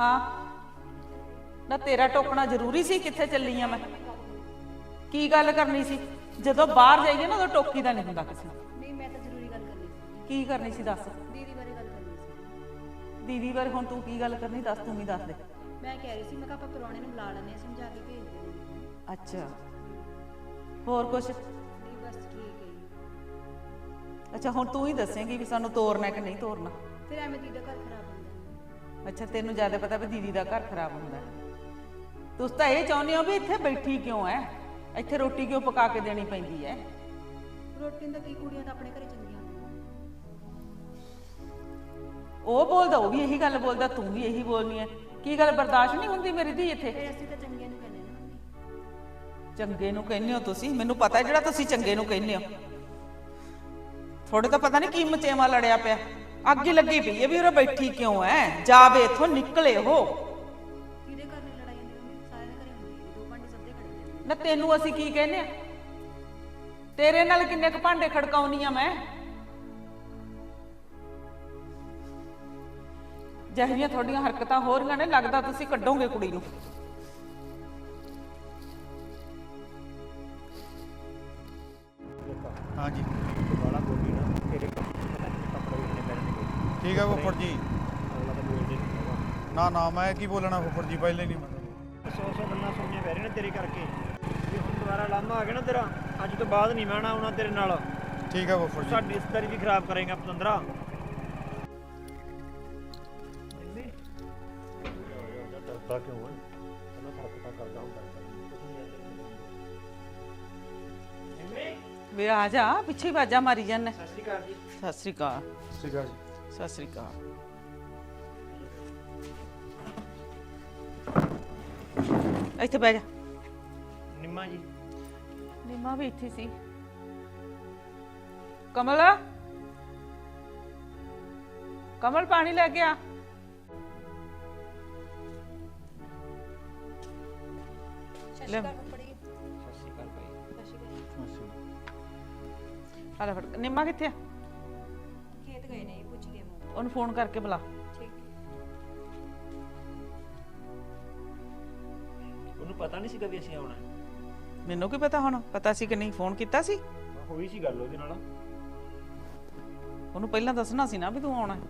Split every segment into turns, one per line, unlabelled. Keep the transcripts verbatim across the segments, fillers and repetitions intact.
हाँ ना तेरा टोकना जरूरी सी कित्थे चली आ मैं की गल करनी सी जदों बाहर जाइए ना उदों टोकी दा नहीं हुंदा किसी
नहीं मैं तो जरूरी गल करनी सी
की करनी सी दस
दीदी बारे गल करनी सी
दीदी बारे हुण तू की गल करनी दस तू ही दस दे
मैं कह रही सी मैं कहा ਆਪਾਂ ਪ੍ਰਾਹੁਣੇ ਨੂੰ ਬੁਲਾ ਲੈਣੇ ਸਮਝਾ ਕੇ ਭੇਜ ਦੇਣੇ
अच्छा होर कुछ
नहीं बस ठीक है जी
अच्छा हुण तू ही दसेंगी भी सानू तोरना कि नहीं तोरना
फिर एवें दीदी का घर खराब ਹੁੰਦਾ
अच्छा तेनू ज्यादा पता भी दीदी का घर खराब होंदा तुस तां ये चाहुंदे हो भी इत्थे बैठी क्यों है इत्थे रोटी क्यों पका के देनी पैंदी है
ਰੋਟੀ ਤਾਂ ਕਈ ਕੁੜੀਆਂ ਤਾਂ ਆਪਣੇ ਘਰੇ ਚੰਗੀਆਂ ਹੁੰਦੀਆਂ
ਉਹ ਬੋਲਦਾ ਉਹ ਵੀ ਇਹੀ ਗੱਲ ਬੋਲਦਾ ਤੂੰ ਵੀ ਇਹੀ ਬੋਲਨੀ ਹੈ ਕੀ ਗੱਲ ਬਰਦਾਸ਼ਤ ਨਹੀਂ ਹੁੰਦੀ ਮੇਰੀ ਧੀ ਇੱਥੇ
ਫਿਰ ਅਸੀਂ ਤਾਂ ਚੰਗੇ ਨੂੰ ਕਹਿੰਦੇ ਨਾ ਮੰਮੀ
ਚੰਗੇ ਨੂੰ ਕਹਿੰਦੇ ਹੋ ਤੁਸੀਂ ਮੈਨੂੰ ਪਤਾ ਜਿਹੜਾ ਤੁਸੀਂ ਚੰਗੇ ਨੂੰ ਕਹਿੰਦੇ ਹੋ ਥੋੜੇ ਤਾਂ ਪਤਾ ਨਹੀਂ ਕੀ ਮਚੇਵਾ ਲੜਿਆ ਪਿਆ ਅੱਗ ਹੀ ਲੱਗੀ ਪਈ ਹੈ ਵੀ ਉਹ ਬੈਠੀ ਕਿਉਂ ਹੈ ਜਾਵੇ ਇੱਥੋਂ ਨਿਕਲੇ ਉਹ
ਕਿਹਦੇ ਘਰ ਨਹੀਂ ਲੜਾਈ ਹੁੰਦੀ ਮੰਮੀ ਸਾਰੇ ਦੇ ਘਰੇ ਹੁੰਦੀ ਹੈ ਦੋ ਭਾਂਡੇ ਸਭ ਦੇ ਖੜਦੇ ਨੇ
ਨਾ ਤੈਨੂੰ ਅਸੀਂ ਕੀ ਕਹਿੰਦੇ ਆ ਤੇਰੇ ਨਾਲ ਕਿੰਨੇ ਕੁ ਭਾਂਡੇ ਖੜਕਾਉਣੀ ਆ ਮੈਂ ਜਿਹੜੀਆਂ ਤੁਹਾਡੀਆਂ ਹਰਕਤਾਂ ਹੋ ਰਹੀਆਂ ਨੇ ਲੱਗਦਾ ਤੁਸੀਂ ਕੱਢੋਗੇ ਕੁੜੀ ਨੂੰ
हाँ जी
बाला बोली ना तेरे पता नहीं कपड़े भी इतने पहनने को
ठीक है फुफड़ जी
अगला तो बोलते नहीं होगा
ना ना मैं की बोलना फुफड़ जी पहले नहीं मतलब
सौ सौ गल्लां सुनने पै रही ने तेरे करके ये हुण दोबारा लामा आ गया ना तेरा अज तो बाद नहीं मैं आना तेरे नाल
ठीक है फुफड़ जी
साडी रिश्तेदारी भी खराब करेगा पतंदरा डरता क्यों है मैं हरकतां करदा हुंदा
ਵੇ ਆ ਜਾ ਪਿੱਛੇ ਬਾਜਾ ਮਾਰੀ ਜਾਂਦੇ
सत श्री अकाल जी
ਸਤਿ ਸ੍ਰੀ ਅਕਾਲ
ठीक है जी
ਸਤਿ ਸ੍ਰੀ ਅਕਾਲ ਇੱਥੇ ਬਹਿ ਜਾ
निम्मा जी
ਨੀਮਾ ਵੀ ਇੱਥੇ ਸੀ ਕਮਲ ਕਮਲ ਪਾਣੀ ਲੈ ਕੇ ਆ ਲੈ
सत श्री अकाल भाई
ਆ ਲੈ ਫੜ ਨੀਮਾ ਕਿੱਥੇ ਆ
ਖੇਤ ਗਏ ਨੇ ਪੁੱਛ ਕੇ ਮੈਂ
ਉਹਨੂੰ ਫੋਨ ਕਰਕੇ ਬੁਲਾ
ਠੀਕ
ਉਹਨੂੰ ਪਤਾ ਨਹੀਂ ਸੀਗਾ ਵੀ ਅਸੀਂ ਆਉਣਾ
ਮੈਨੂੰ ਕੀ ਪਤਾ ਹੁਣ ਪਤਾ ਸੀ ਕਿ ਨਹੀਂ ਫੋਨ ਕੀਤਾ ਸੀ
ਹੋਈ ਸੀ ਗੱਲ ਉਹਦੇ ਨਾਲ
ਉਹਨੂੰ ਪਹਿਲਾਂ ਦੱਸਣਾ ਸੀ ਨਾ ਵੀ ਤੂੰ ਆਉਣਾ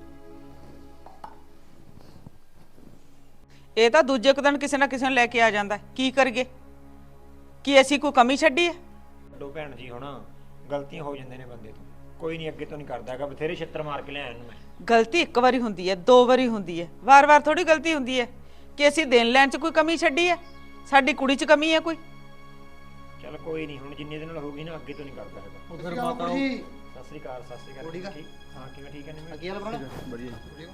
ਇਹ ਤਾਂ ਦੂਜੇ ਕੁ ਦਿਨ ਕਿਸੇ ਨਾ ਕਿਸੇ ਨੂੰ ਲੈ ਕੇ ਆ ਜਾਂਦਾ ਕੀ ਕਰੀਏ ਕੀ ਅਸੀਂ ਕੋਈ ਕਮੀ ਛੱਡੀ ਹੈ
ਦੋ ਭੈਣ ਜੀ ਹੁਣ ਗਲਤੀਆਂ ਹੋ ਜਾਂਦੇ ਨੇ ਬੰਦੇ ਤੋਂ ਕੋਈ ਨਹੀਂ ਅੱਗੇ ਤੋਂ ਨਹੀਂ ਕਰਦਾ ਹੈਗਾ ਬਥੇਰੇ ਛਿੱਤਰ ਮਾਰ ਕੇ ਲਿਆਇਆ ਇਹਨੂੰ ਮੈਂ
ਗਲਤੀ ਇੱਕ ਵਾਰੀ ਹੁੰਦੀ ਹੈ ਦੋ ਵਾਰੀ ਹੁੰਦੀ ਹੈ ਵਾਰ-ਵਾਰ ਥੋੜੀ ਗਲਤੀ ਹੁੰਦੀ ਹੈ ਕਿ ਅਸੀਂ ਦੇਣ ਲੈਣ 'ਚ ਕੋਈ ਕਮੀ ਛੱਡੀ ਹੈ ਸਾਡੀ ਕੁੜੀ 'ਚ ਕਮੀ ਹੈ ਕੋਈ
ਚਲ ਕੋਈ ਨਹੀਂ ਹੁਣ ਜਿੰਨੇ ਦਿਨ ਨਾਲ ਹੋਊਗੀ ਨਾ ਅੱਗੇ ਤੋਂ ਨਹੀਂ ਕਰਦਾ ਹੈਗਾ
उधर माता
ਸਤਿ ਸ੍ਰੀ ਅਕਾਲ ਸਤਿ ਸ੍ਰੀ ਅਕਾਲ
ਠੀਕ ਆ?
ਠੀਕ ਹਾਂ ਕਿਵੇਂ ਠੀਕ ਹੈ ਨਿੰਮੇ
अगे वाला बना बढ़िया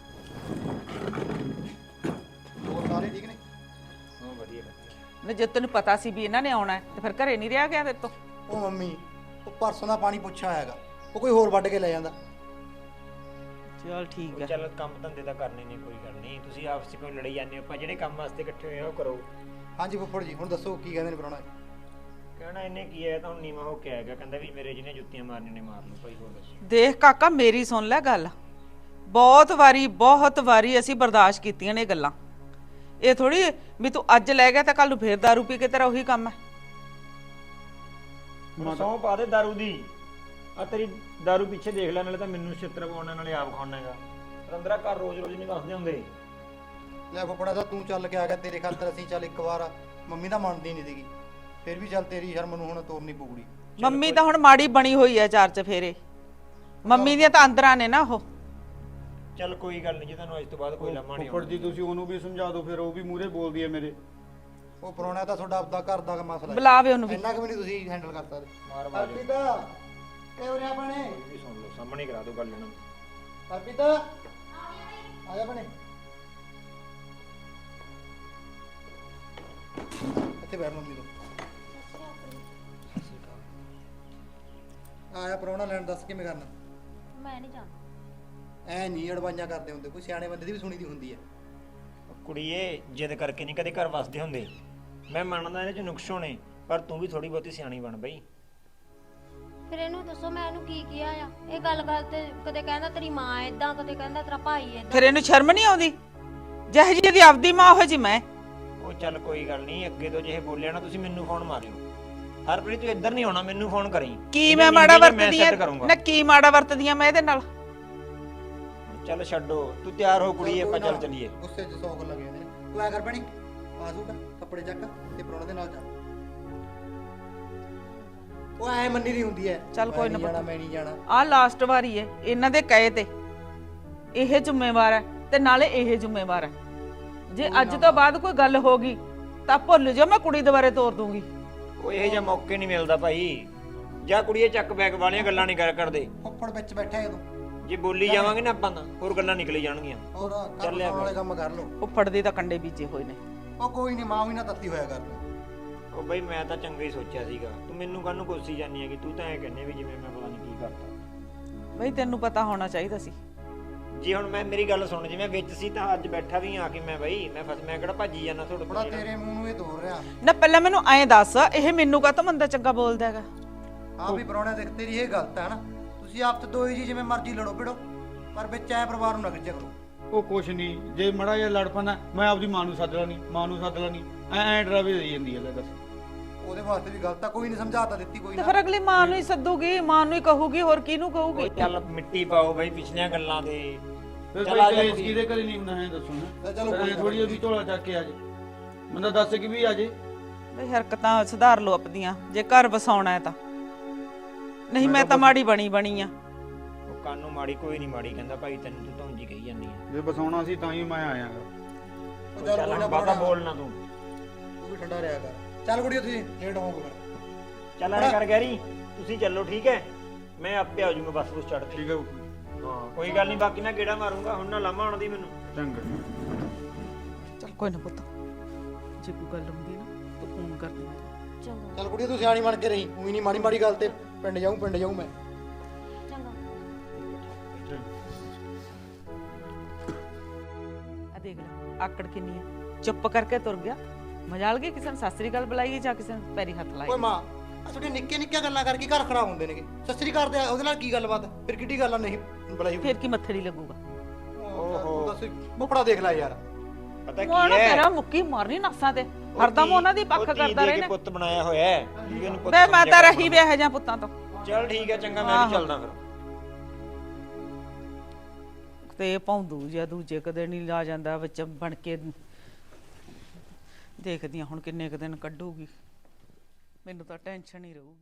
और सारे ठीक ने
ਹਾਂ ਵਧੀਆ ਵਧੀਆ
ਨਾ ਜੇ ਤੈਨੂੰ ਪਤਾ ਸੀ ਵੀ ਇਹਨਾਂ ਨੇ ਆਉਣਾ ਹੈ ਤੇ ਫਿਰ ਘਰੇ ਨਹੀਂ ਰਿਹਾ ਗਿਆ ਤੇਰੇ ਤੋਂ
ਉਹ ਮੰਮੀ ਉਹ ਪਰਸੋਂ ਦਾ ਪਾਣੀ ਪੁੱਛਿਆ ਹੈਗਾ ਉਹ ਕੋਈ ਹੋਰ ਵੱਢ ਕੇ ਲੈ ਜਾਂਦਾ
ਚਲ ਠੀਕ ਹੈ
ਚਲ ਕੰਮ ਧੰਦੇ ਤਾਂ ਕਰਨੇ ਨਹੀਂ ਕੋਈ ਗੱਲ ਨਹੀਂ ਤੁਸੀਂ ਆਪਸ ਵਿੱਚ ਕੋਈ ਲੜੀ ਜਾਂਦੇ ਹੋ ਆਪਾਂ ਜਿਹੜੇ ਕੰਮ ਵਾਸਤੇ ਇਕੱਠੇ ਹੋਏ ਆ ਉਹ ਕਰੋ
ਹਾਂਜੀ ਫੁੱਫੜ ਜੀ ਹੁਣ ਦੱਸੋ ਕੀ ਕਹਿੰਦੇ ਨੇ ਪ੍ਰਾਹੁਣਾ
ਕਹਿਣਾ ਇਹਨੇ ਕੀ ਹੈ ਤਾਂ ਹੁਣ ਨੀਵਾ ਹੋ ਕੇ ਆਏਗਾ ਕਹਿੰਦਾ ਵੀ ਮੇਰੇ ਜਿਹਨੇ ਜੁੱਤੀਆਂ ਮਾਰਨੀਆਂ ਨੇ ਮਾਰ ਲਓ ਭਾਈ ਹੋਰ ਦੱਸੋ
ਦੇਖ ਕਾਕਾ ਮੇਰੀ ਸੁਣ ਲੈ ਗੱਲ ਬਹੁਤ ਵਾਰੀ ਬਹੁਤ ਵਾਰੀ ਅਸੀਂ ਬਰਦਾਸ਼ਤ ਕੀਤੀਆਂ ਨੇ ਇਹ ਗੱਲਾਂ ਇਹ ਥੋੜੀ ਵੀ ਤੂੰ ਅੱਜ ਲੈ ਗਿਆ ਤਾਂ ਕੱਲ ਨੂੰ ਫੇਰ ਦਾਰੂ ਪੀ ਕੇ ਤੇਰਾ ਉਹੀ ਕੰਮ ਹੈ
ਸੌਂ ਪਾ ਦੇ ਦਾਰੂ ਦੀ ਆ ਤੇਰੀ ਦਾਰੂ ਪਿੱਛੇ ਦੇਖ ਲੈ ਨਾਲੇ ਤਾਂ ਮੈਨੂੰ ਛਿੱਤਰ ਪਾਉਣ ਨਾਲੇ ਆਪ ਖਾਣਾ ਹੈਗਾ ਰੰਦਰਾ ਘਰ ਰੋਜ਼ ਰੋਜ਼ ਨਹੀਂ ਵਸਦੇ ਹੁੰਦੇ
ਲੈ ਫੁੱਫੜਾ ਦਾ ਤੂੰ ਚੱਲ ਕੇ ਆ ਗਿਆ ਤੇਰੇ ਖਾਤਰ ਅਸੀਂ ਚੱਲ ਇੱਕ ਵਾਰ ਮੰਮੀ ਤਾਂ ਮੰਨਦੀ ਨਹੀਂ ਸੀਗੀ ਫਿਰ ਵੀ ਚੱਲ ਤੇਰੀ ਸ਼ਰਮ ਨੂੰ ਹੁਣ ਤੋਰਨੀ ਪਊਗੀ
ਮੰਮੀ ਤਾਂ ਹੁਣ ਮਾੜੀ ਬਣੀ ਹੋਈ ਹੈ ਚਾਰ ਚਫੇਰੇ ਮੰਮੀ ਦੀਆਂ ਤਾਂ ਅੰਦਰਾਂ ਨੇ ਨਾ ਉਹ
ਚੱਲ ਕੋਈ ਗੱਲ ਨਹੀਂ ਜੇ ਤੁਹਾਨੂੰ ਅੱਜ ਤੋਂ ਬਾਅਦ ਕੋਈ ਲੰਮਾ ਨਹੀਂ
फुफड़ जी तुसी ओनू भी समझा दो फिर वो भी मूहरे बोल दिए मेरे
ਉਹ ਪ੍ਰਾਹੁਣਾ ਤਾਂ ਤੁਹਾਡਾ ਆਪਦਾ ਘਰ ਦਾ ਮਸਲਾ ਹੈ
ਬੁਲਾਵੇ ਉਹਨੂੰ ਵੀ
ਇੰਨਾ ਕਿ ਵੀ ਨਹੀਂ ਤੁਸੀਂ ਹੈਂਡਲ ਕਰ ਸਕਦੇ
ਮਾਰ ਮਾਰ
ਹਰਪੀਤਾ ਇਹ ਉਰੇ ਆਪਣੇ
ਵੀ ਸੁਣ ਲਓ ਸਾਹਮਣੇ ਕਰਾ ਦਿਓ ਗੱਲ ਇਹਨਾਂ ਨੂੰ
ਹਰਪੀਤਾ ਆ ਜਾ ਬਣੇ ਇੱਥੇ ਬੈਠ ਮੰਮੀ ਤੋਂ ਆਇਆ ਪ੍ਰਾਹੁਣਾ ਲੈਣ ਦੱਸ ਕਿਵੇਂ ਕਰਨਾ
ਮੈਂ ਨਹੀਂ ਜਾਣਾ
ਐ ਨਹੀਂ ਅੜਵਾਈਆਂ ਕਰਦੇ ਹੁੰਦੇ ਕੋਈ ਸਿਆਣੇ ਬੰਦੇ ਦੀ ਵੀ ਸੁਣੀ ਦੀ ਹੁੰਦੀ ਹੈ
ਕੁੜੀਏ ਜਿੱਦ ਕਰਕੇ ਨਹੀਂ ਕਦੇ ਘਰ ਵਸਦੇ ਹੁੰਦੇ ਮੈਂ ਮੰਨਦਾ ਇਹਦੇ ਚ ਨੁਕਸ ਹੋਣੇ ਪਰ ਤੂੰ ਵੀ ਥੋੜੀ ਬਹੁਤੀ ਸਿਆਣੀ ਬਣ ਬਈ
ਫਿਰ ਇਹਨੂੰ ਦੱਸੋ ਮੈਂ ਇਹਨੂੰ ਕੀ ਕਿਹਾ ਆ ਇਹ ਗੱਲ ਗੱਲ ਤੇ ਕਦੇ ਕਹਿੰਦਾ ਤੇਰੀ ਮਾਂ ਏਦਾਂ ਕਦੇ ਕਹਿੰਦਾ ਤੇਰਾ ਭਾਈ ਏਦਾਂ
ਫਿਰ ਇਹਨੂੰ ਸ਼ਰਮ ਨਹੀਂ ਆਉਂਦੀ ਜਿਹੇ ਜੀ ਦੀ ਆਪਦੀ ਮਾਂ ਉਹ ਜੀ ਮੈਂ।
ਉਹ ਚੱਲ ਕੋਈ ਗੱਲ ਨਹੀਂ, ਅੱਗੇ ਤੋਂ ਜੇ ਇਹ ਬੋਲਿਆ ਨਾ ਤੁਸੀਂ ਮੈਨੂੰ ਫੋਨ ਮਾਰਿਓ। ਹਰਪ੍ਰੀਤ ਤੂੰ ਇੱਧਰ ਨਹੀਂ ਆਉਣਾ, ਮੈਨੂੰ ਫੋਨ ਕਰੀ।
ਕੀ ਮੈਂ ਮਾੜਾ ਵਰਤਦੀ ਆ ਨਾ, ਕੀ ਮਾੜਾ ਵਰਤਦੀ ਆ ਮੈਂ ਇਹਦੇ ਨਾਲ?
ਚੱਲ ਛੱਡੋ, ਤੂੰ ਤਿਆਰ ਹੋ ਕੁੜੀ, ਆਪਾਂ ਚੱਲ ਚੱਲੀਏ।
ਗੁੱਸੇ 'ਚ ਸੌ ਗੱਲ ਲੱਗੇ ਜਾਂਦੇ ਨੇ। ਤੂੰ ਐ ਕਰ ਬਣੀ ਆਜੂਗਾ ਕੱਪੜੇ ਚੱਕ ਤੇ ਪਰੋਣੇ ਦੇ ਨਾਲ ਜਾ। ਉਹ ਐ ਮੰਨੀ ਨਹੀਂ ਹੁੰਦੀ ਐ।
ਚੱਲ ਕੋਈ ਨਾ
ਜਾਣਾ, ਮੈਂ ਨਹੀਂ ਜਾਣਾ।
ਆਹ ਲਾਸਟ ਵਾਰੀ ਏ ਇਹਨਾਂ ਦੇ ਕਹੇ ਤੇ ਇਹ ਜ਼ਿੰਮੇਵਾਰ ਹੈ ਤੇ ਨਾਲੇ ਇਹ ਜ਼ਿੰਮੇਵਾਰ ਹੈ। ਜੇ ਅੱਜ ਤੋਂ ਬਾਅਦ ਕੋਈ ਗੱਲ ਹੋ ਗਈ ਤਾਂ ਭੁੱਲ ਜਾ, ਮੈਂ ਕੁੜੀ ਦੁਬਾਰੇ ਤੋਰ ਦੂੰਗੀ।
ਉਹ ਇਹੋ ਜਿਹਾ ਮੌਕੇ ਨਹੀਂ ਮਿਲਦਾ ਭਾਈ। ਜਾ ਕੁੜੀਏ ਚੱਕ ਬੈਗ ਵਾਲੀਆਂ ਗੱਲਾਂ ਨਹੀਂ ਕਰ ਕਰਦੇ।
ਫੁੱਫੜ ਵਿੱਚ ਬੈਠਾ ਜਦੋਂ
ਜੇ ਬੋਲੀ ਜਾਵਾਂਗੇ ਨਾ ਆਪਾਂ ਤਾਂ ਹੋਰ ਗੱਲਾਂ ਨਿਕਲੀ ਜਾਣਗੀਆਂ।
ਹੋਰ ਕਰ ਵਾਲੇ ਕੰਮ ਕਰ ਲੋ।
ਉੱਫੜ ਦੇ ਤਾਂ ਕੰਡੇ ਬੀਜੇ ਹੋਏ ਨੇ।
ਉਹ ਕੋਈ ਨਹੀਂ, ਮਾਂ ਵੀ ਨਾ ਤੱਤੀ ਹੋਇਆ ਕਰ।
ਉਹ ਬਈ ਮੈਂ ਤਾਂ ਚੰਗਾ ਹੀ ਸੋਚਿਆ ਸੀਗਾ, ਤੂੰ ਮੈਨੂੰ ਕਾਹਨੂੰ ਕੋਸੀ ਜਾਨੀ ਹੈਗੀ? ਤੂੰ ਤਾਂ ਐ ਕਹਿੰਦੇ ਵੀ ਜਿਵੇਂ ਮੈਂ ਪਤਾ ਨਹੀਂ ਕੀ ਕਰਤਾ।
ਬਈ ਤੈਨੂੰ ਪਤਾ ਹੋਣਾ ਚਾਹੀਦਾ ਸੀ।
ਜੀ ਹੁਣ ਮੈਂ ਮੇਰੀ ਗੱਲ ਸੁਣ, ਜਿਵੇਂ ਵਿੱਚ ਸੀ ਤਾਂ ਅੱਜ ਬੈਠਾ ਵੀ ਆ ਕੇ ਮੈਂ ਬਈ ਮੈਂ ਫਸ ਮੈਂ ਕਿਹੜਾ ਭੱਜੀ ਜਾਣਾ ਤੁਹਾਡੇ
ਬੜਾ
ਕੋਲ।
ਤੇਰੇ ਮੂੰਹ ਨੂੰ ਇਹ ਤੋੜ ਰਿਹਾ।
ਨਾ ਪਹਿਲਾਂ ਮੈਨੂੰ ਐਂ ਦੱਸ, ਇਹ ਮੈਨੂੰ ਕਾਹਤੋਂ ਮੰਦਾ ਚੰਗਾ ਬੋਲਦਾ ਹੈਗਾ?
ਆ ਵੀ ਪਰੋਣੇ ਦੇਖ, ਤੇਰੀ ਇਹ ਗਲਤ ਹੈ ਨਾ। ਤੁਸੀਂ ਆਪ ਤੇ ਦੋਈ ਜੀ ਜਿਵੇਂ ਮਰਜ਼ੀ ਲੜੋ ਭਿੜੋ, ਪਰ ਵਿੱਚ ਐ ਪਰਿਵਾਰ ਨੂੰ ਨਾ ਖਿੱਚਿਆ ਕਰੋ।
ਉਹ ਕੁਛ ਨਹੀਂ, ਜੇ ਮੜਾ ਜਿਹਾ ਲੜ ਪੈਣਾ ਮੈਂ ਆਪਦੀ ਮਾਂ ਨੂੰ ਸੱਦ ਲੈਣੀ, ਮਾਂ ਨੂੰ ਸੱਦ ਲੈਣੀ, ਐ ਐ ਡਰਾਵੇ ਦੇਈ ਜਾਂਦੀ ਹੈ। ਲੈ ਦੱਸ,
ਉਹਦੇ ਵਾਸਤੇ ਵੀ ਗਲਤ ਆ। ਕੋਈ ਨਹੀਂ, ਸਮਝਾਤਾ ਦਿੱਤੀ ਕੋਈ
ਤੇ
ਨਾ।
ਫਿਰ ਅਗਲੀ ਮਾਂ ਨੂੰ ਹੀ ਸੱਦੂਗੀ, ਮਾਂ ਨੂੰ ਹੀ ਕਹੂਗੀ, ਹੋਰ ਕਿਹਨੂੰ ਕਹੂਗੀ?
ਉਹ ਚੱਲ ਮਿੱਟੀ ਪਾਓ ਬਈ ਪਿਛਲੀਆਂ ਗੱਲਾਂ ਤੇ।
ਫਿਰ
ਚੱਲ ਆ
ਕੋਈ
ਜਾ
ਕਲੇਸ਼
ਕੁੜੀ।
ਕਿਹਦੇ ਘਰੇ ਨਹੀਂ ਹੁੰਦਾ ਹੈ ਦੱਸੋ ਨਾ।
ਲੈ ਚਲੋ ਕੋਈ
ਥੋੜੀ ਜਿਹੀ ਝੋਲਾ ਚੱਕ ਕੇ ਆ ਜੇ, ਬੰਦਾ ਦੱਸ ਕਿ ਵੀ ਆ ਜੇ।
ਬਈ ਹਰਕਤਾਂ ਸੁਧਾਰ ਲਓ ਆਪਣੀਆਂ, ਜੇ ਘਰ ਵਸਾਉਣਾ ਹੈ ਤਾਂ। ਨਹੀਂ ਮੈਂ ਤਾਂ ਮਾੜੀ ਬਣੀ ਬਣੀ ਆ।
ਉਹ ਕਾਨੂੰ ਮਾੜੀ ਕੋਈ ਨਹੀਂ ਮਾੜੀ ਕਹਿੰਦਾ ਭਾਈ, ਤੈਨੂੰ ਤੂੰ ਧੌਂਜੀ ਕਹੀ ਜਾਂਦੀ ਆ।
ਜੇ ਬਸਾਉਣਾ ਸੀ ਤਾਂ ਹੀ ਮੈਂ ਆਇਆਗਾ।
ਉਹ ਚੱਲ ਕੋਈ ਨਾ,
ਬਾਬਾ ਬੋਲਣਾ ਤੂੰ।
ਤੂੰ ਵੀ ਠੰਡਾ ਰਿਹਾ ਕਰ। ਚੱਲ ਕੁੜੀਓ, ਤੁਸੀਂ ਲੇਟ ਹੋਵੋਗੇ ਫਿਰ।
ਚੱਲ ਐ ਕਰ ਗੈਰੀ, ਤੁਸੀਂ ਚੱਲੋ ਠੀਕ ਹੈ, ਮੈਂ ਆਪੇ ਆ ਜਾਊਂਗਾ ਬੱਸ ਬੁਸ ਚੜ੍ਹ ਕੇ।
ਠੀਕ ਹੈ,
ਹਾਂ ਕੋਈ ਗੱਲ ਨਹੀਂ, ਬਾਕੀ ਨਾ ਗੇੜਾ ਮਾਰੂੰਗਾ, ਹੁਣ ਨਾ ਲਾਮਾ ਆਉਣ ਦੀ ਮੈਨੂੰ।
ਚੰਗਾ।
ਚੱਲ ਕੋਈ ਨਾ ਪੁੱਤ, ਜੇ ਕੋਈ ਗੱਲ ਹੁੰਦੀ ਨਾ ਤੂੰ ਫੋਨ ਕਰ ਦੇ।
ਚੰਗਾ
ਚੱਲ ਕੁੜੀਓ, ਤੂੰ ਸਿਆਣੀ ਬਣ ਕੇ ਰਹੀ। ਉਹੀ ਨਹੀਂ ਮਾੜੀ ਮਾੜੀ ਗੱਲ ਤੇ ਪਿੰਡ ਜਾਊਂ ਪਿੰਡ ਜਾਊਂ ਮੈਂ।
ਚੰਗਾ।
ਆ ਦੇਖ ਲੈ ਆਕੜ ਕਿੰਨੀ ਹੈ, ਚੁੱਪ ਕਰਕੇ ਤੁਰ ਗਿਆ। ਮਜਾਲ ਗਈ ਕਿਸੇ ਨੂੰ ਸਾਸਰੀ ਗੱਲ ਬੁਲਾਈਏ ਜਾਂ ਕਿਸੇ ਨੂੰ ਪੈਰੀ ਹੱਥ
ਓਏ
ਲਾਈਏ।
ਮਾਂ, ਆ ਤੁਹਾਡੇ ਨਿੱਕੇ ਨਿੱਕੇ ਗੱਲਾਂ ਕਰਕੇ ਘਰ ਖਰਾਬ ਹੁੰਦੇ ਨੇਗੇ। ਸੱਸਰੀ ਕਰਦੇ ਉਹਦੇ ਨਾਲ ਕੀ ਗੱਲਬਾਤ? ਫਿਰ ਕਿੱਡੀ ਗੱਲ ਆ ਨਹੀਂ ਬੁਲਾਈ?
ਫਿਰ ਕੀ ਮੱਥੜੀ ਲੱਗੂਗਾ?
ਓਹੋ, ਦੱਸ ਮੁਫੜਾ ਦੇਖ ਲੈ ਯਾਰ।
ਪਤਾ ਕੀ
ਮੋਣਾ
ਹੈ,
ਤੇਰਾ ਮੁੱਕੀ ਮਾਰਨੀ ਨਸਾਂ ਤੇ, ਹਰਦਮ ਉਹਨਾਂ ਦੀ ਪੱਖ ਕਰਦਾ ਰਹੇ ਨੇ।
ਪੁੱਤ ਬਣਾਇਆ ਹੋਇਆ ਹੈ, ਵੀ ਇਹਨੂੰ ਪੁੱਤ
ਬੇ ਮੈਂ
ਸਮਝਿਆ
ਤਾਂ
ਕਰ।
ਰਹੀ ਵਿਆਹ ਜਾਂ ਪੁੱਤਾਂ ਤੋਂ।
ਚੱਲ ਠੀਕ ਹੈ, ਚੰਗਾ ਮੈਂ ਵੀ ਚੱਲਦਾ ਫਿਰ।
ਤੇ ਭੌਂਦੂ ਜਾਂ ਦੂਜੇ ਕਦੇ ਨਹੀਂ ਲਾ ਜਾਂਦਾ ਵਿੱਚ ਬਣ ਕੇ। ਦੇਖਦੀ ਹਾਂ ਹੁਣ ਕਿੰਨੇ ਕੁ ਦਿਨ ਕੱਢੂਗੀ, ਮੈਨੂੰ ਤਾਂ ਟੈਨਸ਼ਨ ਹੀ ਰਹੂਗੀ।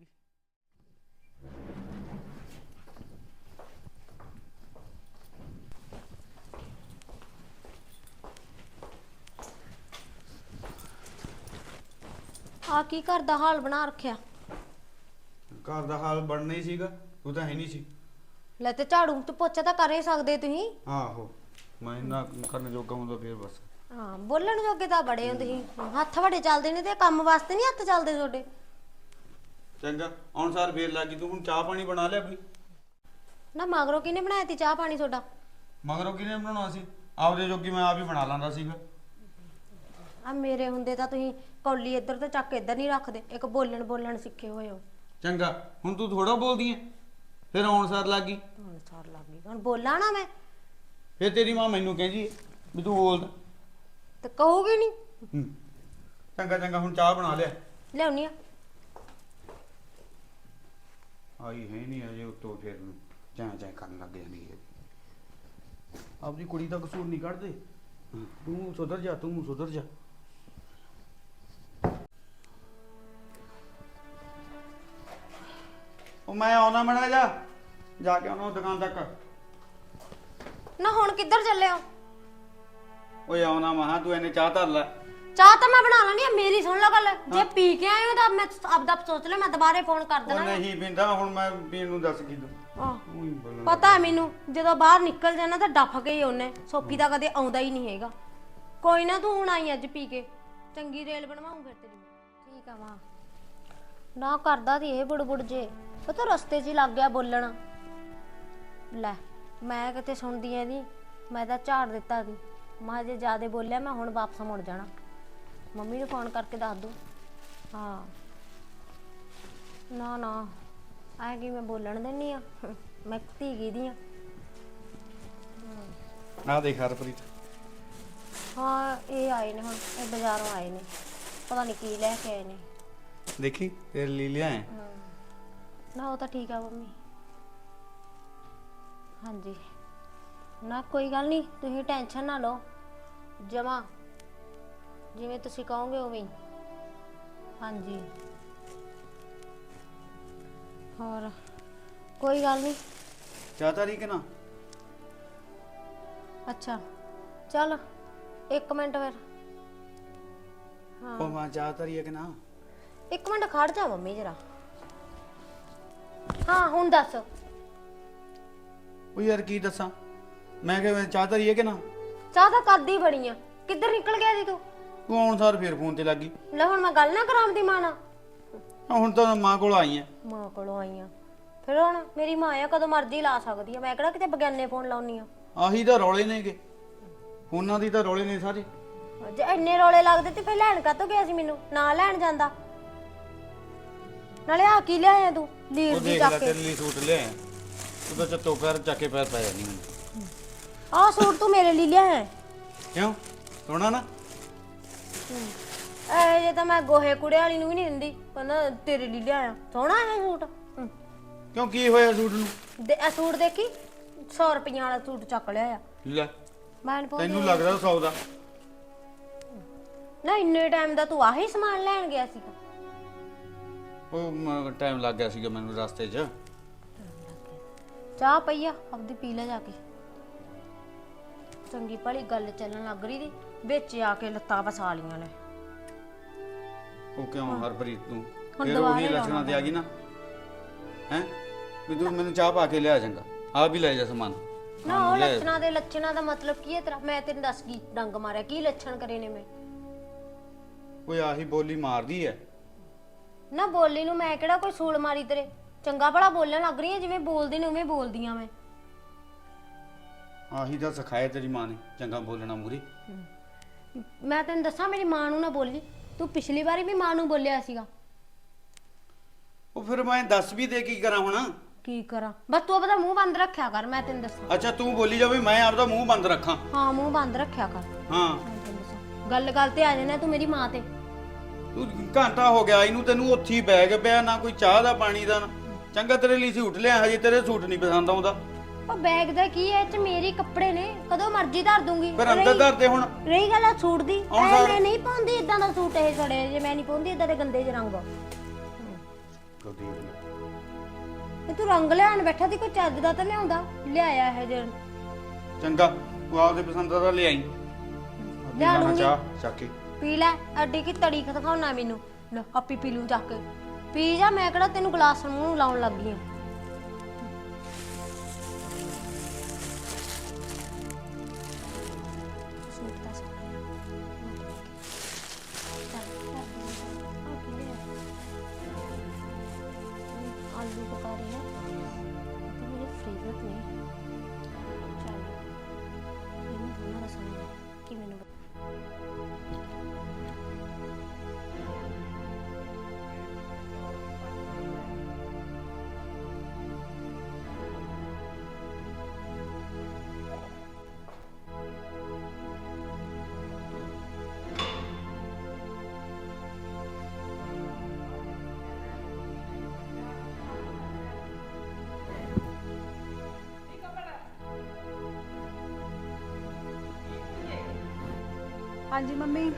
ਆ ਕੀ ਘਰ ਦਾ ਹਾਲ ਬਣਾ ਰੱਖਿਆ?
ਘਰ ਦਾ ਹਾਲ ਬਣਨਾ ਹੀ ਸੀਗਾ, ਤੂੰ ਤਾਂ ਹੈ ਨਹੀਂ ਸੀ।
ਲੈ ਤੇ ਝਾੜੂ ਤੇ ਪੋਚਾ ਤਾਂ ਕਰ ਹੀ ਸਕਦੇ ਤੁਸੀਂ।
ਆਹੋ, ਮੈਂ ਨਾ ਕਰਨ ਜੋਗਾ ਹੁੰਦਾ ਫਿਰ ਬਸ।
ਹਾਂ, ਬੋਲਣ ਜੋਗੇ ਤਾਂ ਬੜੇ ਹੋ ਤੁਸੀਂ। ਹੱਥ ਬੜੇ ਚੱਲਦੇ ਨੇ ਤੇ ਕੰਮ ਵਾਸਤੇ ਨਹੀਂ ਹੱਥ ਚੱਲਦੇ ਤੁਹਾਡੇ।
ਚੰਗਾ, ਹੁਣ ਸਾਰ ਫੇਰ ਲੱਗੀ। ਤੂੰ ਹੁਣ ਚਾਹ ਪਾਣੀ ਬਣਾ ਲਿਆ ਬਈ?
ਨਾ ਮਗਰੋਂ ਕਿਹਨੇ ਬਣਾਇਆ ਤੀ ਚਾਹ ਪਾਣੀ ਤੁਹਾਡਾ?
ਮਗਰੋਂ ਕਿਹਨੇ ਬਣਾਉਣਾ ਸੀ? ਆਪਦੇ ਜੋਗੀ ਮੈਂ ਆਪ ਹੀ ਬਣਾ ਲੈਂਦਾ ਸੀਗਾ।
ਆ ਮੇਰੇ ਹੁੰਦੇ ਤਾਂ ਤੁਸੀਂ ਕੌਲੀ ਇੱਧਰ ਤੇ ਚੱਕ ਇੱਧਰ ਨਹੀਂ ਰੱਖਦੇ। ਇੱਕ ਬੋਲਣ ਬੋਲਣ ਸਿੱਖੇ ਹੋਏ ਹੋ।
ਚੰਗਾ, ਹੁਣ ਤੂੰ ਥੋੜਾ ਬੋਲਦੀ ਐ, ਫਿਰ ਆਉਣ ਸਾਰ ਲੱਗ ਗਈ।
ਹੁਣ ਸਾਰ ਲੱਗ ਗਈ, ਹੁਣ ਬੋਲਾਂ ਨਾ ਮੈਂ?
ਫਿਰ ਤੇਰੀ ਮਾਂ ਮੈਨੂੰ ਕਹਿੰਦੀ ਐ ਵੀ ਤੂੰ ਬੋਲਦਾ।
ਤੇ ਕਹੂਗੀ ਨਹੀਂ।
ਹੂੰ, ਚੰਗਾ ਚੰਗਾ, ਹੁਣ ਚਾਹ ਬਣਾ ਲਿਆ।
ਲਿਆਉਣੀ ਆ।
ਆਈ ਹੈ ਨਹੀਂ ਅਜੇ, ਉੱਤੋਂ ਫਿਰ ਚਾਹ ਚਾਹ ਕਰਨ ਲੱਗ ਜਾਂਦੀ ਹੈ। ਆਪਦੀ ਕੁੜੀ ਦਾ ਕਸੂਰ ਨਹੀਂ ਕੱਢਦੇ। ਤੂੰ ਸੁਧਰ ਜਾ, ਤੂੰ ਸੁਧਰ ਜਾ। ਉਹ ਮੈਂ ਆਉਣਾ ਮੜਾ ਜਾ ਜਾ ਕੇ ਆਉਣਾ ਦੁਕਾਨ ਤੱਕ।
ਨਾ ਹੁਣ ਕਿੱਧਰ ਚੱਲੇ ਹੋ?
ਓਏ ਆਉਣਾ ਮਹਾ, ਤੂੰ ਇਹਨੇ ਚਾਹ ਧਰ ਲੈ।
ਚਾਹ ਤਾਂ ਮੈਂ ਬਣਾ ਲੈਣੀ ਆ, ਮੇਰੀ ਸੁਣ ਲਓ ਗੱਲ। ਜੇ ਪੀ ਕੇ ਆਏ ਹੋ ਤਾਂ ਮੈਂ ਆਪਦਾ ਸੋਚ ਲਿਆ, ਮੈਂ ਦੁਬਾਰੇ ਫੋਨ ਕਰ
ਉਹ
ਦੇਣਾ।
ਨਹੀਂ ਪੀਂਦਾ, ਹੁਣ ਮੈਂ ਪੀਣ ਨੂੰ ਦੱਸ ਕੀ ਦੂੰ।
ਆਹ,
ਉਹੀ ਬੋਲਣ
ਪਤਾ ਹੈ ਮੈਨੂੰ, ਜਦੋਂ ਬਾਹਰ ਨਿਕਲ ਜਾਣਾ ਤਾਂ ਡੱਫ ਕੇ ਹੀ ਉਹਨੇ। ਸੋਫੀ ਤਾਂ ਕਦੇ ਆਉਂਦਾ ਹੀ ਨਹੀਂ ਹੈਗਾ। ਕੋਈ ਨਾ, ਤੂੰ ਹੁਣ ਆਈ ਅੱਜ ਪੀ ਕੇ, ਚੰਗੀ ਰੇਲ ਬਣਵਾਉਂ ਫਿਰ ਤੇਰੀ। ਠੀਕ ਆ ਮਾਂ। ਨਾ ਕਰਦਾ ਤੀ ਇਹ ਬੁੜਬੁੜ ਜੇ, ਪਤਾ ਰਸਤੇ 'ਚ ਹੀ ਲੱਗ ਗਿਆ ਬੋਲਣ। ਲੈ ਮੈਂ ਕਿਤੇ ਸੁਣਦੀ ਐ ਦੀ, ਮੈਂ ਤਾਂ ਝਾੜ ਦਿੱਤਾ ਸੀ। ਮੈਂ ਜੇ ਜ਼ਿਆਦਾ ਬੋਲਿਆ ਮੈਂ ਹੁਣ ਵਾਪਸ ਮੁੜ ਜਾਣਾ। ਮੰਮੀ ਨੂੰ ਫੋਨ ਕਰਕੇ ਦੱਸ ਦੂੰ। ਹਾਂ ਨਾ ਨਾ ਐ ਕੀ ਮੈਂ ਬੋਲਣ ਦਿੰਨੀ ਆ? ਮੈਂ ਧੀ ਗਈ ਦੀ ਆ।
ਆ ਦੇਖ ਹਰਪ੍ਰੀਤ,
ਹਾਂ ਇਹ ਆਏ ਨੇ ਹੁਣ, ਇਹ ਬਾਜ਼ਾਰੋਂ ਆਏ ਨੇ, ਪਤਾ ਨਹੀਂ ਕੀ ਲੈ ਕੇ ਆਏ ਨੇ।
ਦੇਖੀ ਤੇਰੇ ਲਈ ਲਿਆਏ।
ਨਾ ਉਹ ਤਾਂ ਠੀਕ ਆ ਮੰਮੀ। ਹਾਂਜੀ ਨਾ ਕੋਈ ਗੱਲ ਨਹੀਂ, ਤੁਸੀਂ ਟੈਨਸ਼ਨ ਨਾ ਲਓ, ਜਮਾ ਜਿਵੇਂ ਤੁਸੀਂ ਕਹੋਗੇ ਉਵੇਂ ਹੀ। ਹਾਂਜੀ ਹੋਰ ਕੋਈ ਗੱਲ ਨਹੀਂ।
ਚਾਹਤਾ ਰਹੀ ਕਿ ਨਾ?
ਅੱਛਾ ਚੱਲ ਇੱਕ ਮਿੰਟ ਫਿਰ।
ਉਹ ਮਾਂ ਚਾਹਤਾ ਰਹੀ ਹੈ ਕਿ ਨਾ?
ਇੱਕ ਮਿੰਟ ਖੜ ਜਾ ਮੰਮੀ ਜਰਾ। ਹਾਂ ਹੁਣ ਦੱਸ।
ਉਹ ਯਾਰ ਕੀ ਦੱਸਾਂ ਮੈਂ, ਕਿ ਚਾਹਤਾ ਰਹੀ ਹੈ ਕਿ ਨਾ?
ਚਾਹ ਤਾਂ ਕਰਦੀ ਬੜੀ ਆ, ਕਿੱਧਰ ਨਿਕਲ ਗਿਆ ਸੀ ਤੂੰ?
ਤੂੰ ਆਉਣ ਸਾਰ ਫੇਰ ਫੋਨ ਤੇ ਲੱਗ ਗਈ।
ਲੈ ਹੁਣ ਮੈਂ ਗੱਲ ਨਾ ਕਰਾਂਦੀ ਮਾਂ ਨਾਲ।
ਆ ਹੁਣ ਤਾਂ ਮਾਂ ਕੋਲ ਆਈ ਐ।
ਮਾਂ ਕੋਲੋਂ ਆਈ ਆ, ਫਿਰ ਹੁਣ ਮੇਰੀ ਮਾਂ ਆ, ਕਦੋਂ ਮਰਜ਼ੀ ਲਾ ਸਕਦੀ ਆ, ਮੈਂ ਕਿਹੜਾ ਕਿਤੇ ਬਗਾਨੇ ਫੋਨ ਲਾਉਣੀ ਆ।
ਆਹੀ ਤਾਂ ਰੌਲੇ ਨੇਗੇ, ਫੋਨਾਂ ਦੀ ਤਾਂ ਰੌਲੇ ਨੇ ਸਾਰੇ।
ਜੇ ਇੰਨੇ ਰੌਲੇ ਲੱਗਦੇ ਤੇ ਫਿਰ ਲੈਣ ਕਾਤੋਂ ਗਿਆ ਸੀ ਮੈਨੂੰ, ਨਾ ਲੈਣ ਜਾਂਦਾ। ਨਾਲੇ ਆ ਕੀ ਲਿਆਇਆ ਤੂੰ ਲੀਰ
ਉਹ
ਦੀ
ਦੇਖ ਲੈ
ਚੱਕ ਕੇ?
ਤੇਰੇ ਲਈ ਸੂਟ ਲਿਆਇਆ, ਉਹਦਾ ਚੱਤੋ ਪੈਰ ਚੱਕ ਕੇ ਪੈਰ ਪੈ ਜਾਣੀ ਮੈਨੂੰ।
ਆਹ ਸੂਟ ਤੂੰ ਮੇਰੇ ਲਈ ਲਿਆਇਆ?
ਕਿਉਂ ਸੋਹਣਾ ਨਾ?
ਐ ਜੇ ਤਾਂ ਮੈਂ ਗੋਹੇ ਕੁੜੇ ਵਾਲੀ ਨੂੰ ਵੀ ਨਹੀਂ ਦਿੰਦੀ, ਕਹਿੰਦਾ ਤੇਰੇ ਲਈ ਲਿਆਇਆ। ਸੋਹਣਾ ਹੈ ਸੂਟ। ਹੂੰ।
ਕਿਉਂ ਕੀ ਹੋਇਆ ਸੂਟ ਨੂੰ?
ਦੇ ਇਹ ਸੂਟ ਦੇਖੀ, ਸੌ ਰੁਪਈਆ ਵਾਲਾ ਸੂਟ ਚੱਕ ਲਿਆ।
ਲੈ
ਮੈਂ ਨੀ ਪਾਉਂਦੀ।
ਤੈਨੂੰ ਲੱਗਦਾ ਸੌ ਦਾ?
ਨਾ ਇੰਨੇ ਟਾਈਮ ਦਾ ਤੂੰ ਆਹੀ ਸਮਾਨ ਲੈਣ ਗਿਆ ਸੀਗਾ?
ਉਹ ਟਾਈਮ ਲੱਗ ਗਿਆ ਸੀਗਾ ਮੈਨੂੰ ਰਸਤੇ 'ਚ।
ਚਾਹ ਪਈ ਆ ਆਪਦੀ ਪੀ ਲੈ ਜਾ ਕੇ। ਚੰਗੀ ਭਲੀ ਗੱਲ ਚੱਲਣ ਲੱਗ ਰਹੀ ਦੀ, ਵਿੱਚ ਆ ਕੇ ਲੱਤਾਂ ਫਸਾ ਲੀਆਂ ਨੇ।
ਉਹ ਕਿਉਂ ਹਰਪ੍ਰੀਤ ਤੂੰ
ਹੁਣ
ਫਿਰ
ਦੁਬਾਰਾ
ਉਹੀ
ਹੀ
ਲੱਛਣਾਂ ਤੇ ਆ ਗਈ ਨਾ ਹੈ ਵੀ ਤੂੰ ਮੈਨੂੰ ਚਾਹ ਪਾ ਕੇ ਲਿਆ ਚੰਗਾ, ਆ ਵੀ ਲੈ ਜਾ ਸਮਾਨ।
ਨਾ ਉਹ ਲੱਛਣਾਂ ਦੇ ਲੱਛਣਾਂ ਦਾ ਮਤਲਬ ਕੀ ਹੈ ਤੇਰਾ? ਮੈਂ ਤੈਨੂੰ ਦੱਸ ਕੀ ਡੰਗ ਮਾਰਿਆ, ਕੀ ਲੱਛਣ ਕਰੇ ਨੇ ਮੈਂ?
ਕੋਈ ਆਹੀ ਬੋਲੀ ਮਾਰਦੀ ਐ।
ਨਾ ਬੋਲੀ ਨੂੰ ਮੈਂ ਕਿਹੜਾ ਕੋਈ ਸੂਲ ਮਾਰੀ ਤੇਰੇ? ਚੰਗਾ ਭਲਾ ਬੋਲਣ ਲੱਗ ਰਹੀ ਹੈ, ਜਿਵੇਂ ਬੋਲਦੀ ਨੇ ਉਵੇਂ ਬੋਲਦੀਆਂ ਮੈਂ।
ਆਹੀ ਤਾਂ ਸਿਖਾਇਆ ਤੇਰੀ ਮਾਂ ਨੇ ਚੰਗਾ ਬੋਲਣਾ ਮੂਰੀ।
ਮੈਂ ਤੈਨੂੰ ਦੱਸਾਂ, ਮੇਰੀ ਮਾਂ ਨੂੰ ਨਾ ਬੋਲੀ ਤੂੰ। ਪਿਛਲੀ ਵਾਰੀ ਵੀ ਮਾਂ ਨੂੰ ਬੋਲਿਆ ਸੀਗਾ।
ਉਹ ਫਿਰ ਮੈਂ ਦੱਸ ਵੀ ਦੇ ਕੀ ਕਰਾਂ ਹੁਣ?
ਕੀ ਕਰਾਂ? ਬਸ ਤੂੰ ਆਪਣਾ ਮੂੰਹ ਬੰਦ ਰੱਖਿਆ ਕਰ, ਮੈਂ ਤੈਨੂੰ ਦੱਸਾਂ।
ਅੱਛਾ ਤੂੰ ਬੋਲੀ ਜਾਵੇ ਮੈਂ ਆਪਦਾ ਮੂੰਹ ਬੰਦ ਰੱਖਾਂ?
ਹਾਂ ਮੂੰਹ ਬੰਦ ਰੱਖਿਆ ਕਰ।
ਹਾਂ
ਮੈਂ ਤੈਨੂੰ ਦੱਸਾਂ, ਗੱਲ ਗੱਲ ਤੇ ਆ ਜਾਣਾ ਤੂੰ ਮੇਰੀ ਮਾਂ ਤੇ।
ਤੂੰ ਘੰਟਾ ਹੋ ਗਿਆ ਇਹਨੂੰ, ਤੈਨੂੰ ਉੱਥੇ ਹੀ ਬੈਗ ਪਿਆ, ਨਾ ਕੋਈ ਚਾਹ ਦਾ ਪਾਣੀ ਦਾ ਨਾ। ਚੰਗਾ ਤੇਰੇ ਲਈ ਸੂਟ ਲਿਆ, ਹਜੇ ਤੇਰੇ ਸੂਟ ਨਹੀਂ ਪਸੰਦ ਆਉਂਦਾ।
ਉਹ ਬੈਗ ਦਾ ਕੀ ਹੈ, ਇਹ ਚ ਮੇਰੇ ਕੱਪੜੇ ਨੇ, ਕਦੋਂ ਮਰਜ਼ੀ ਧਰ ਦੂੰਗੀ।
ਫਿਰ ਅੰਦਰ
ਰਹੀ-
ਧਰ ਦੇ ਹੁਣ।
ਰਹੀ ਗੱਲ ਆ ਸੂਟ ਦੀ,
ਆਉਣ
ਐ
ਸਾਰ-
ਮੈਂ ਨਹੀਂ ਪਾਉਂਦੀ ਇਦਾਂ ਦਾ ਸੂਟ। ਇਹ ਸੜੇ ਜੇ ਮੈਂ ਨਹੀਂ ਪਾਉਂਦੀ ਇਦਾਂ ਦੇ ਗੰਦੇ ਜਿਹੇ ਰੰਗ। ਇਹ ਤੂੰ ਰੰਗ ਲਿਆਣ ਬੈਠਾ ਸੀ, ਕੋਈ ਚੱਜ ਦਾ ਤਾਂ ਲਿਆਉਂਦਾ। ਲਿਆਇਆ ਇਹ ਜੇ
ਚੰਗਾ ਤੂੰ ਆਪਦੇ ਪਸੰਦ ਦਾ ਲਿਆਈ।
ਲਿਆ ਲੂੰਗੀ।
ਚਾਹ ਚੱਕ ਕੇ
ਪੀ ਲੈ, ਅੱਡੀ ਕੀ ਤੜੀ ਖਤਕਾਉਣਾ ਮੈਨੂੰ। ਲੈ ਆਪੀ ਪੀ ਲੂੰ ਚੱਕ ਕੇ। ਪੀ ਜਾ, ਮੈਂ ਕਿਹੜਾ ਤੈਨੂੰ ਗਲਾਸ ਮੂੰਹ ਨੂੰ ਲਾਉਣ ਲੱਗ ਗਈ ਆ। ਸੂਟ ਤਾਂ ਸੋਹਣਾ ਆ। ਚੱਲ, ਚੱਲ, ਆ ਕੀ ਲਿਆ? ਆਲੂ ਪਕਾ ਰਹੀ ਹੈ, ਇਹ ਤਾਂ ਮੇਰੇ ਫੇਵਰਟ ਨੇ। ਚੱਲ ਇਹਨੂੰ ਦੋਨਾਂ ਦਾ ਸੁਣਨਾ ਕਿ ਮੈਨੂੰ
ਹਾਂਜੀ ਮੰਮੀ,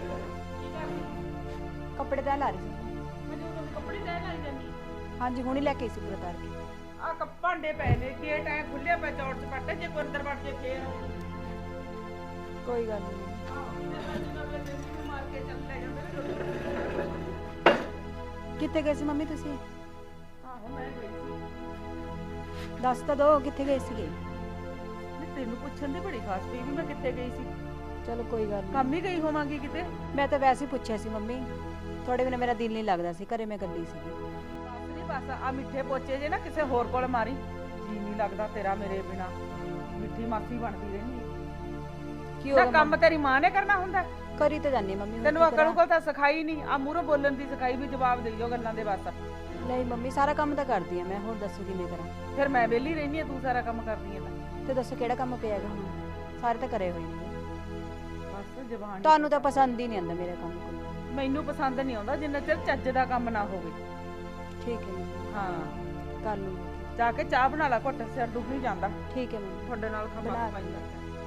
ਕੱਪੜੇ ਤੈਅ ਲਾ ਰਹੀ ਸੀ।
ਮੈਨੂੰ ਤਾਂ ਕੱਪੜੇ ਤੈਅ ਲਾਈ ਜਾਂਦੀ।
ਹਾਂਜੀ ਹੁਣੀ ਲੈ ਕੇ ਆਈ ਸੀ ਪੂਰਾ ਤਾਰ ਕੇ।
ਆ ਕੱਪ ਭਾਂਡੇ ਪਏ ਨੇ, ਗੇਟ ਐ ਖੁੱਲਿਆ ਪਿਆ ਚੌੜ ਚਪਾਟੇ, ਜੇ ਕੋਈ ਅੰਦਰ ਵੜ ਜੇ ਫੇਰ
ਕੋਈ ਗੱਲ ਨਹੀਂ।
ਮਾਰ ਕੇ ਚੱਲ ਲੈ ਜਾਂਦੇ ਨੇ।
ਕਿੱਥੇ ਗਏ ਸੀ ਮੰਮੀ ਤੁਸੀਂ?
ਆਹੋ ਮੈਂ ਗਈ ਸੀ।
ਦੱਸ ਤਾਂ ਦੋ ਕਿੱਥੇ ਗਏ ਸੀਗੇ?
ਨਹੀਂ ਤੈਨੂੰ ਪੁੱਛਣ ਦੀ ਬੜੀ ਖਾਸ ਪਈ ਵੀ ਮੈਂ ਕਿੱਥੇ ਗਈ ਸੀ।
ਚਲੋ ਕੋਈ ਗੱਲ ਨਹੀਂ।
ਕੰਮ ਹੀ ਗਈ ਹੋਵਾਂਗੀ ਕਿਤੇ।
ਮੈਂ ਤਾਂ ਵੈਸੇ ਹੀ ਪੁੱਛਿਆ ਸੀ ਮੰਮੀ, ਤੁਹਾਡੇ ਬਿਨਾਂ ਮੇਰਾ ਦਿਲ ਨਹੀਂ ਲੱਗਦਾ ਸੀ, ਘਰੇ ਮੈਂ ਇਕੱਲੀ ਸੀਗੀ।
ਬਸ ਨਹੀਂ ਬਸ ਆ ਮਿੱਠੇ ਪੋਚੇ ਜੇ ਨਾ ਕਿਸੇ ਹੋਰ ਕੋਲ ਮਾਰੀ, ਜੀ ਨਹੀਂ ਲੱਗਦਾ ਤੇਰਾ ਮੇਰੇ ਬਿਨਾ। ਮਿੱਠੀ ਮਾਸੀ ਬਣਦੀ ਰਹਿੰਦੀ
ਕੀ
ਹੈ।
ਹੋ
ਤਾਂ
ਗਿਆ
ਕੰਮ ਤੇਰੀ ਮਾਂ ਨੇ ਕਰਨਾ ਹੁੰਦਾ।
ਕਰੀ ਤਾਂ ਜਾਨੀ ਮੰਮੀ। ਹੁਣ
ਤੈਨੂੰ
ਕੀ
ਅਕਲ
ਕਰਾਂ?
ਕੋਲ ਤਾਂ ਸਿਖਾਈ ਨਹੀਂ, ਆ ਮੂਹਰੋਂ ਬੋਲਣ ਦੀ ਸਿਖਾਈ ਵੀ, ਜਵਾਬ ਦੇਈਓ ਗੱਲਾਂ ਦੇ ਬਸ।
ਨਹੀਂ ਮੰਮੀ ਸਾਰਾ ਕੰਮ ਤਾਂ ਕਰਦੀ ਆ ਮੈਂ, ਹੋਰ ਦੱਸੋ ਕਿਵੇਂ ਕਰਾਂ?
ਫਿਰ ਮੈਂ ਵਿਹਲੀ ਰਹਿੰਦੀ ਆ, ਤੂੰ ਸਾਰਾ ਕੰਮ ਕਰਦੀ ਆ ਤਾਂ।
ਤੇ ਦੱਸੋ ਕਿਹੜਾ ਕੰਮ ਪਿਆ ਹੈਗਾ ਹੁਣ? ਸਾਰੇ ਤਾਂ ਕਰੇ ਹੋਏ ਨੇ।
ਬਸ ਜ਼ਬਾਨ
ਤੁਹਾਨੂੰ ਤਾਂ ਪਸੰਦ ਹੀ ਨਹੀਂ ਆਉਂਦਾ ਮੇਰਾ ਕੰਮ ਕੋਈ।
ਮੈਨੂੰ ਪਸੰਦ ਨਹੀਂ ਆਉਂਦਾ ਜਿੰਨਾ ਚਿਰ ਚੱਜ ਦਾ ਕੰਮ ਨਾ ਹੋਵੇ।
ਠੀਕ ਹੈ ਮੰਮੀ,
ਹਾਂ
ਕਰ ਲੂੰਗੀ।
ਜਾ ਕੇ ਚਾਹ ਬਣਾ ਲੈ, ਘੁੱਟ ਸਿਰ ਦੁੱਖ ਨਹੀਂ ਜਾਂਦਾ
ਠੀਕ ਹੈ ਮੰਮੀ।
ਤੁਹਾਡੇ ਨਾਲ ਖਪਾ
ਬਣਾ
ਖਪਾਈ
ਲੂੰਗੀ।
ਕਰਦਾ।